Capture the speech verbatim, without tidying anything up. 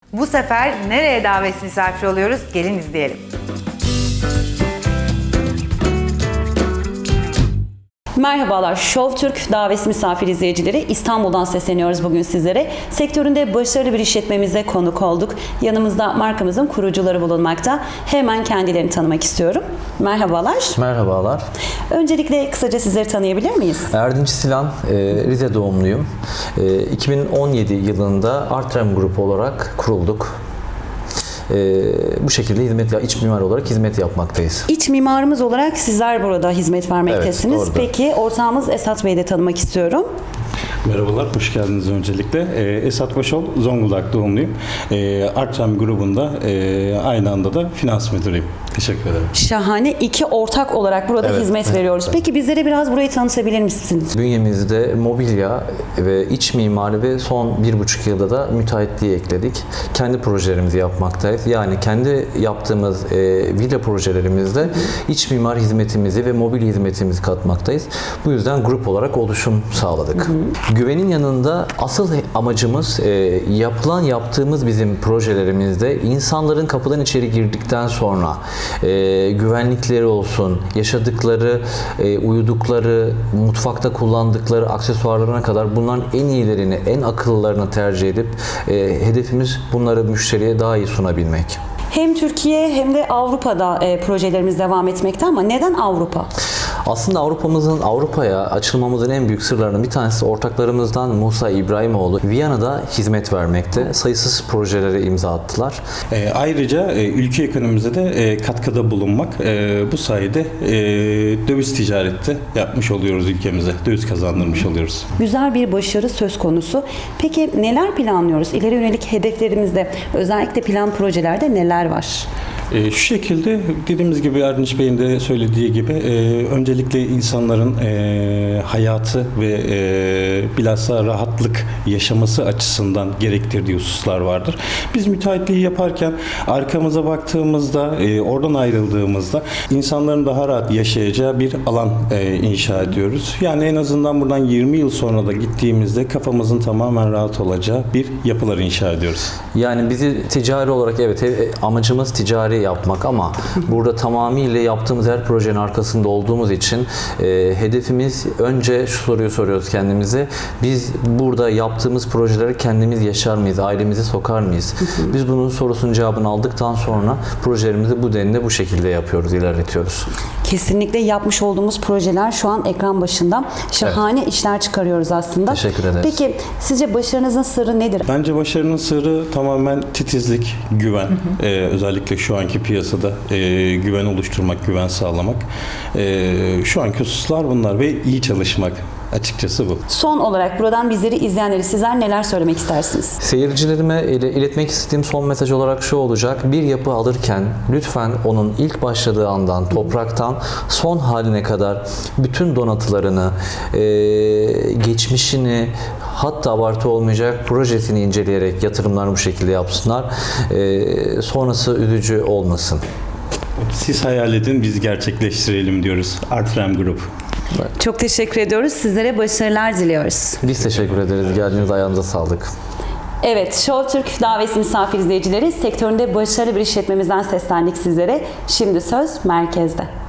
Bu sefer nereye davet misafir oluyoruz? Gelin izleyelim. Merhabalar, Show Türk davet misafir izleyicileri. İstanbul'dan sesleniyoruz bugün sizlere. Sektöründe başarılı bir işletmemize konuk olduk. Yanımızda markamızın kurucuları bulunmakta. Hemen kendilerini tanımak istiyorum. Merhabalar. Merhabalar. Öncelikle kısaca sizleri tanıyabilir miyiz? Erdinç Silan, Rize doğumluyum. iki bin on yedi yılında Artrem Grup olarak kurulduk. Bu şekilde hizmet, iç mimar olarak hizmet yapmaktayız. İç mimarımız olarak sizler burada hizmet vermektesiniz. Evet, Peki ortağımız Esat Bey'i de tanımak istiyorum. Merhabalar, hoş geldiniz öncelikle. Ee, Esat Başol, Zonguldak doğumluyum. Ee, Artrem grubunda e, aynı anda da finans müdürüyüm. Teşekkür ederim. Şahane. İki ortak olarak burada Evet, hizmet evet, veriyoruz. evet. Peki bizlere biraz burayı tanıtabilir misiniz? Bünyemizde mobilya ve iç mimari ve son bir buçuk yılda da müteahhitliği ekledik. Kendi projelerimizi yapmaktayız. Yani kendi yaptığımız e, villa projelerimizde iç mimar hizmetimizi ve mobil hizmetimizi katmaktayız. Bu yüzden grup olarak oluşum sağladık. Hı hı. Güvenin yanında asıl amacımız e, yapılan yaptığımız bizim projelerimizde insanların kapıdan içeri girdikten sonra e, güvenlikleri olsun, yaşadıkları, e, uyudukları, mutfakta kullandıkları aksesuarlarına kadar bunların en iyilerini, en akıllılarını tercih edip e, hedefimiz bunları müşteriye daha iyi sunabilmek. Hem Türkiye hem de Avrupa'da e, projelerimiz devam etmekte ama neden Avrupa? Aslında Avrupa'mızın Avrupa'ya açılmamızın en büyük sırlarının bir tanesi ortaklarımızdan Musa İbrahimoğlu Viyana'da hizmet vermekte. Sayısız projelere imza attılar. E, ayrıca e, ülke ekonomimize de e, katkıda bulunmak. E, bu sayede e, döviz ticareti yapmış oluyoruz ülkemize. Döviz kazandırmış oluyoruz. Güzel bir başarı söz konusu. Peki neler planlıyoruz? İleri yönelik hedeflerimizde, özellikle plan projelerde neler var? E, şu şekilde dediğimiz gibi Erdinç Bey'in de söylediği gibi e, öncelikle insanların e, hayatı ve e, bilhassa rahatlık yaşaması açısından gerektirdiği hususlar vardır. Biz müteahhitliği yaparken arkamıza baktığımızda, e, oradan ayrıldığımızda insanların daha rahat yaşayacağı bir alan e, inşa ediyoruz. Yani en azından buradan yirmi yıl sonra da gittiğimizde kafamızın tamamen rahat olacağı bir yapılar inşa ediyoruz. Yani bizi ticari olarak evet amacımız ticari yapmak ama burada tamamıyla yaptığımız her projenin arkasında olduğumuz için e, hedefimiz önce şu soruyu soruyoruz kendimize. Biz burada yaptığımız projeleri kendimiz yaşar mıyız? Ailemizi sokar mıyız? Biz bunun sorusunun cevabını aldıktan sonra projelerimizi bu denli bu şekilde yapıyoruz, ilerletiyoruz. Kesinlikle yapmış olduğumuz projeler şu an ekran başında. Şahane evet. işler çıkarıyoruz aslında. Teşekkür ederiz. Peki sizce başarınızın sırrı nedir? Bence başarının sırrı tamamen titizlik, güven. Hı hı. Ee, özellikle şu anki piyasada e, güven oluşturmak, güven sağlamak. E, şu anki hususlar bunlar ve iyi çalışmak. Açıkçası bu. Son olarak buradan bizleri izleyenleri sizler neler söylemek istersiniz? Seyircilerime iletmek istediğim son mesaj olarak şu olacak. Bir yapı alırken lütfen onun ilk başladığı andan, topraktan son haline kadar bütün donatılarını, geçmişini, hatta abartı olmayacak projesini inceleyerek yatırımlarını bu şekilde yapsınlar. Sonrası üzücü olmasın. Siz hayal edin, biz gerçekleştirelim diyoruz. Artrem Grup. Çok teşekkür ediyoruz. Sizlere başarılar diliyoruz. Biz teşekkür ederiz. Geldiğiniz ayağınıza sağlık. Evet, Show Türk davet misafir izleyicileri, sektöründe başarılı bir işletmemizden seslendik sizlere. Şimdi söz merkezde.